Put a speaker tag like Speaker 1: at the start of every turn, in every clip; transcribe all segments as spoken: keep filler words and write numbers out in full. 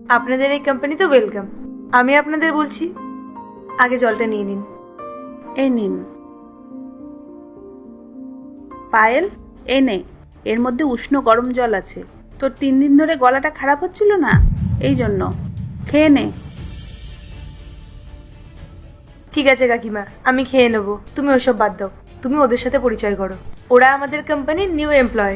Speaker 1: আপনাদের এই কোম্পানিতে ওয়েলকাম। আমি আপনাদের বলছি, আগে জলটা নিয়ে নিন।
Speaker 2: এই নিন। পায়েল, এ নে, এর মধ্যে উষ্ণ গরম জল আছে। তোর তিন দিন ধরে গলাটা খারাপ হচ্ছিল না, এই জন্য খেয়ে নে।
Speaker 1: ঠিক আছে কাকিমা, আমি খেয়ে নেবো, তুমি ওসব বাদ দাও। তুমি ওদের সাথে পরিচয় করো, ওরা আমাদের কোম্পানির নিউ এমপ্লয়।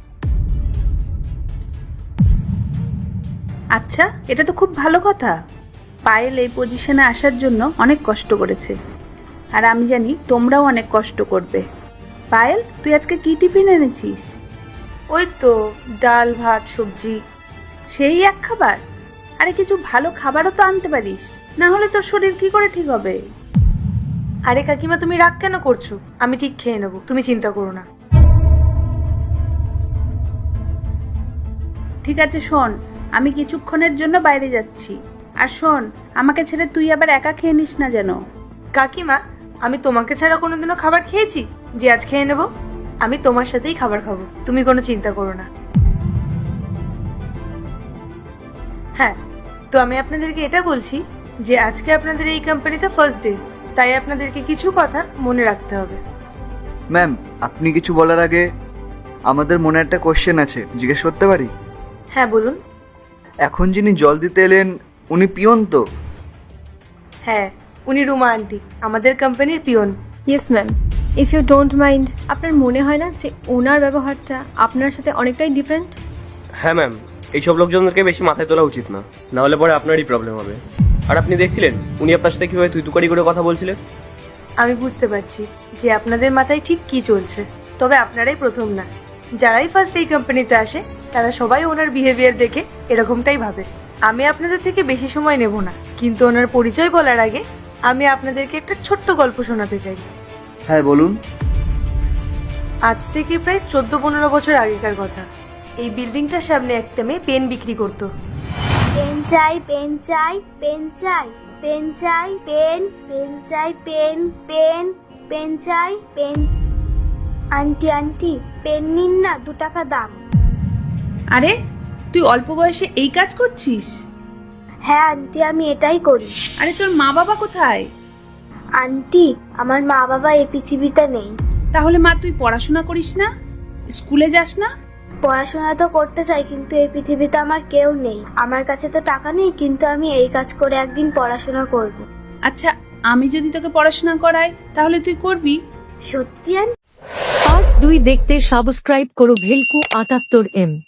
Speaker 2: আচ্ছা, এটা তো খুব ভালো কথা। পায়েল এই পজিশনে আসার জন্য অনেক কষ্ট করেছে, আর আমি জানি তোমরাও অনেক কষ্ট করবে। পায়েল, তুই আজকে কি টিফিন এনেছিস?
Speaker 1: ওই তো ডাল ভাত সবজি।
Speaker 2: সেই এক খাবার? আরে কিছু ভালো খাবারও তো আনতে পারিস, না হলে তোর শরীর কি করে ঠিক হবে?
Speaker 1: আরে কাকিমা, তুমি রাগ কেন করছো? আমি ঠিক খেয়ে নেবো, তুমি চিন্তা করো না।
Speaker 2: ঠিক আছে শোন, আমি কিছুক্ষণের জন্য বাইরে যাচ্ছি। আর শোন, আমাকে ছেড়ে তুই আবার একা খেয়ে নিস না যেন।
Speaker 1: কাকিমা, আমি তোমাকে ছাড়া কোনোদিনও খাবার খেয়েছি যে আজ খেয়ে নেবো? আমি তোমার সাথেই খাবার খাবো, তুমি কোনো চিন্তা করো না। হ্যাঁ, তো আমি আপনাদেরকে এটা বলছি যে আজকে আপনাদের এই কোম্পানিতে ফার্স্ট ডে, তাই আপনাদেরকে কিছু কথা মনে রাখতে হবে।
Speaker 3: ম্যাম, আপনি কিছু বলার আগে আমাদের মনে একটা কোশ্চেন আছে, জিজ্ঞেস করতে পারি?
Speaker 1: হ্যাঁ বলুন।
Speaker 3: এখন যিনি জল দিতে এলেন উনি পিয়ন তো?
Speaker 1: হ্যাঁ, উনি রুমা আন্টি, আমাদের কোম্পানির peon.
Speaker 4: Yes ma'am, if you don't mind, আপনার মনে হয় না যে ওনার ব্যবহারটা আপনার সাথে অনেকটাই ডিফারেন্ট?
Speaker 5: হ্যাঁ ম্যাম, এইসব লোকজনদেরকে বেশি মাথায় তোলা উচিত না, না হলে পরে আপনারই প্রবলেম হবে। আর আপনি দেখছিলেন উনি আপনার সাথে কিভাবে তুই তুকারি করে কথা বলছিলেন।
Speaker 1: আমি বুঝতে পারছি যে আপনাদের মাথায় ঠিক কি চলছে, তবে আপনারাই প্রথম না। যারাই ফার্স্ট এই কোম্পানিতে আসে তারা সবাই ওনার বিহেভিয়ার দেখে এরকমটাই ভাবে। আমি আপনাদের থেকে বেশি সময় নেব না, কিন্তু ওনার পরিচয় বলার আগে আমি আপনাদেরকে একটা ছোট্ট গল্প শোনাতে চাই।
Speaker 3: হ্যাঁ বলুন।
Speaker 1: আজ থেকে প্রায় চোদ্দ পনেরো বছর আগেকার কথা। এই বিল্ডিংটার সামনে একটা মেয়ে পেন বিক্রি করতো।
Speaker 6: পেন চাই, পেন চাই, পেন চাই, পেন চাই, পেন, পেন চাই, পেন, পেন, পেন চাই, পেন। আন্টি আন্টি, পেন নিন না, দু টাকা দাম।
Speaker 2: আরে, তুই অল্প বয়সে এই কাজ করছিস?
Speaker 6: হ্যাঁ আন্টি, আমি এটাই করি।
Speaker 2: আরে তোর মা বাবা কোথায়?
Speaker 6: আন্টি, আমার মা বাবা এই পৃথিবীতে নেই।
Speaker 2: তাহলে মা তুই পড়াশোনা করিস না, স্কুলে যাস না?
Speaker 6: পড়াশোনা তো করতে চাই, কিন্তু এই পৃথিবীতে আমার কেউ নেই। আমার কাছে তো টাকা নেই, কিন্তু আমি এই কাজ করে একদিন পড়াশোনা করব।
Speaker 2: আচ্ছা, আমি যদি তোকে পড়াশোনা করাই তাহলে তুই করবি?
Speaker 6: সত্যি আন্টি?
Speaker 7: পার্ট দুই দেখতে সাবস্ক্রাইব করো ভেলকু আটাত্তর এম।